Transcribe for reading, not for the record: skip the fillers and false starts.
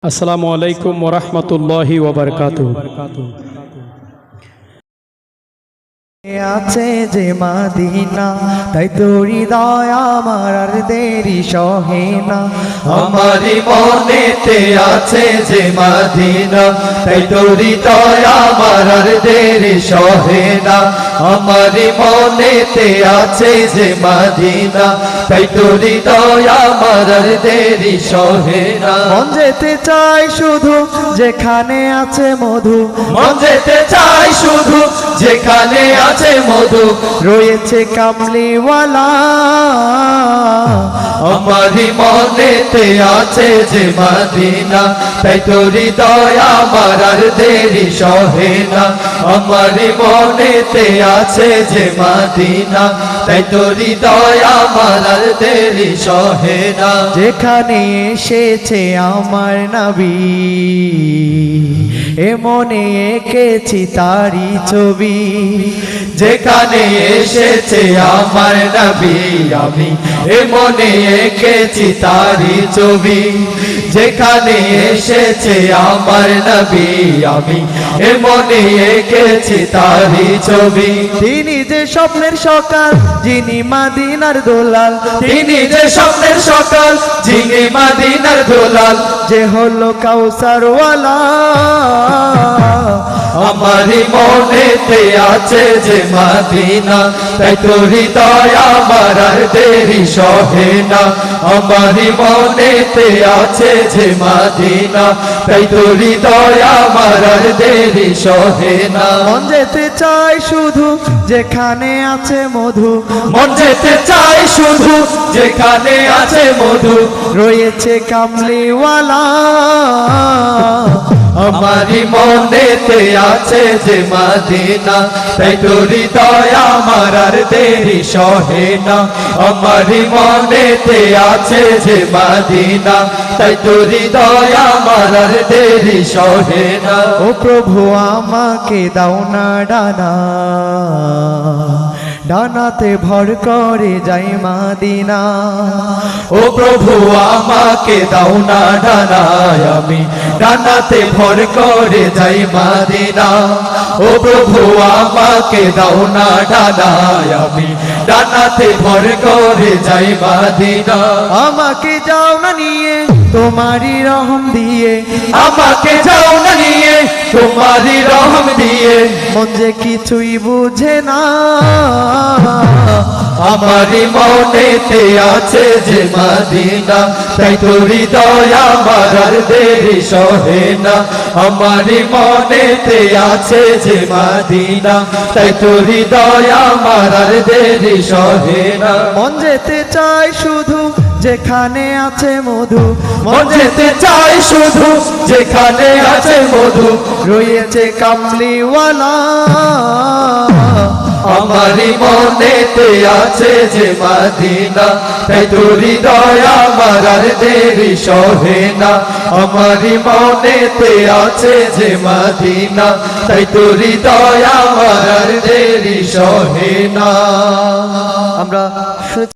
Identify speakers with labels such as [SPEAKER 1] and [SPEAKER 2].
[SPEAKER 1] আসসালামু আলাইকুম ওয়া রাহমাতুল্লাহি ওয়া বারাকাতুহু।
[SPEAKER 2] আছে যে মদিনা তাই তো হৃদয় আমার আর দেরি সহে না।
[SPEAKER 3] আমারি মনেতে আছে যে মদিনা তাই তো হৃদয় আমার আর দেরি সহে না। আমারি মনেতে আছে যে মদিনা তাই তো হৃদয় আমার আর দেরি সহে না।
[SPEAKER 2] মন যেতে চাই শুধু যেখানে আছে মধু,
[SPEAKER 3] মন যেতে চাই শুধু যেখানে আছে মধু,
[SPEAKER 2] রয়েছে কামলিওয়ালা।
[SPEAKER 3] আমারি মনেতে আছে যে মদিনা তাই তো হৃদয় আমার আর দেরি সহে না। আমারি মনেতে আছে যে মদিনা তাই তো হৃদয় আমার আর দেরি সহে না।
[SPEAKER 2] যেখানে এসেছে আমার নবী এ মনে এঁকেছি তারি ছবি।
[SPEAKER 3] যেখানে এসেছে আমার নবী আমি এ মনে এঁকেছি তারি ছবি। যেখানে এসেছে আমার নবী আমি এ মনে এঁকেছি তারি ছবি।
[SPEAKER 2] তিনি যে স্বপ্নের সকাল যিনি মদিনার দোলাল,
[SPEAKER 3] তিনি যে স্বপ্নের সকাল যিনি মদিনার দোলাল,
[SPEAKER 2] যে হলো কাউসারওয়ালা।
[SPEAKER 3] আমারি মনেতে আছে যে মদিনা তাই তো হৃদয় আমার আর দেরি সহে না। আমারি মনেতে আছে যে মদিনা তাই তো হৃদয় আমার আর দেরি সহে না।
[SPEAKER 2] মন যেতে চাই শুধু যেখানে আছে মধু,
[SPEAKER 3] মন যেতে চাই শুধু যেখানে আছে মধু,
[SPEAKER 2] রয়েছে কামলিওয়ালা।
[SPEAKER 3] আমারি মনেতে আছে যে মদিনা তাই তো হৃদয় আমার আর দেরি সহে না। আমারি মনেতে আছে যে মদিনা তাই তো হৃদয় আমার আর দেরি সহে না।
[SPEAKER 2] ও প্রভু আমাকে দাও না ডানা, ডানাতে ভর করে যাই মদিনা।
[SPEAKER 3] ও প্রভু আমাকে দাও না ডানায় আমি ডানাতে ভর করে যাই মদিনা। ও প্রভু আমাকে দাও না ডানায় আমি ডানাতে ভর করে যাই মদিনা।
[SPEAKER 2] আমাকে যাও না নিয়ে তোমারই রহম দিয়ে,
[SPEAKER 3] আমাকে যাও না নিয়ে তোমারই রহম দিয়ে,
[SPEAKER 2] মন যে কিছুই বুঝে না।
[SPEAKER 3] আমারি মনেতে আছে যে মদিনা তাই তো হৃদয় আমার আর দেরি সহে না। আমারি মনেতে আছে যে মদিনা তাই তো হৃদয় আমার আর দেরি সহে না।
[SPEAKER 2] মন যেতে চাই শুধু যেখানে আছে মধু,
[SPEAKER 3] মন যেতে চাই শুধু যেখানে আছে মধু,
[SPEAKER 2] রয়েছে কামলিওয়ালা।
[SPEAKER 3] আমারি মনেতে আছে যে মদিনা তাই তো হৃদয় আমার আর দেরি সহে না। আমারি মনেতে আছে যে মদিনা তাই তো হৃদয় আমার আর দেরি সহে না।
[SPEAKER 2] আমরা